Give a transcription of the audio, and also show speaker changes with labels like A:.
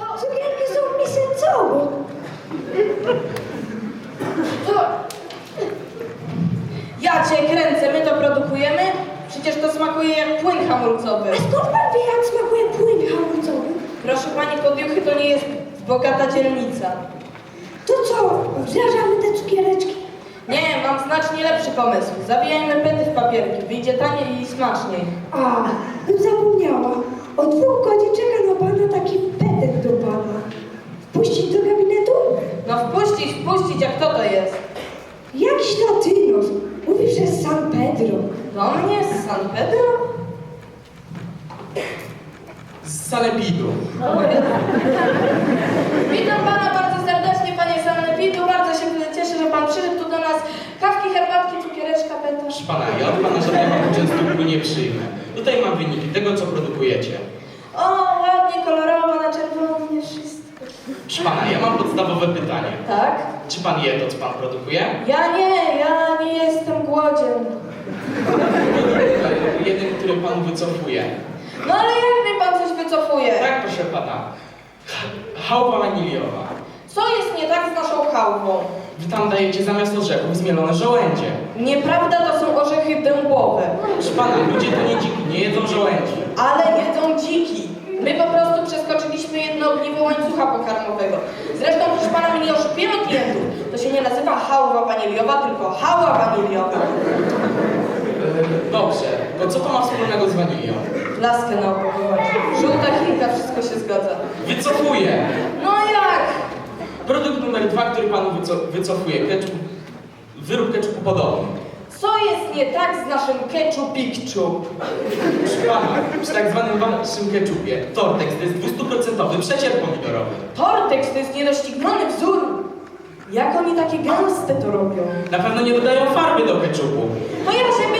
A: Cukierki są miesięcowo.
B: Co? Ja cię kręcę, my to produkujemy? Przecież to smakuje jak płyn hamulcowy.
A: A skąd pan wie, jak smakuje płyn hamulcowy?
B: Proszę pani Podjuchy, to nie jest bogata dzielnica.
A: To co, wdrażamy te cukiereczki?
B: Nie, mam znacznie lepszy pomysł. Zawijajmy pety w papierki, wyjdzie taniej i smaczniej.
A: A, bym zapomniała. Od 2 godzin czeka na pana taki petek do pana. Wpuścić do gabinetu?
B: No wpuścić, a kto to jest?
A: Jakiś latynos. Mówi, że z San Pedro.
B: Do mnie z San Pedro?
C: Z Sanepidu.
B: Witam pana bardzo serdecznie, panie Sanepidu. Bardzo się cieszę, że pan przyszedł tu do nas. Kawki, herbatki, cukiereczka, peta.
C: Proszę pana, ja od pana żadnego uczestniku nie przyjmę. Tutaj mam wyniki tego, co produkujecie.
B: O, ładnie, kolorowo, na czerwonie, wszystko.
C: Proszę pana, ja mam podstawowe pytanie.
B: Tak?
C: Czy pan je to, co pan produkuje?
B: Ja nie jestem głodzien.
C: Jeden, który pan wycofuje.
B: No ale jak mi pan coś wycofuje?
C: Tak, proszę pana. Chałwa waniliowa.
B: Co jest nie tak z naszą chałwą?
C: Wy tam dajecie zamiast orzechów zmielone żołędzie.
B: Nieprawda, to są orzechy dębowe.
C: Proszę pana, ludzie to nie dziki, nie jedzą żołędzi.
B: Ale jedzą dziki. My po prostu przeskoczyliśmy jedno ogniwo łańcucha pokarmowego. Zresztą, proszę pana, my nie oszukujemy klientów. To się nie nazywa chałwa waniliowa, tylko hała waniliowa.
C: Dobrze, to co to ma wspólnego z wanilią?
B: Laskę na opakowanie. Żółta chinka, wszystko się zgadza.
C: Wycofuję.
B: No jak?
C: Produkt numer 2, który panu wycofuje. Ketchup, wyrób ketchupu podobny.
B: Co jest nie tak z naszym ketchupikczu?
C: Proszę pana, przy tak zwanym waszym ketchupie Tortex to jest 200% przecier pomidorowy.
B: Tortex to jest niedościgniony wzór. Jak oni takie gęste to robią?
C: Na pewno nie dodają farby do ketchupu.
B: No ja się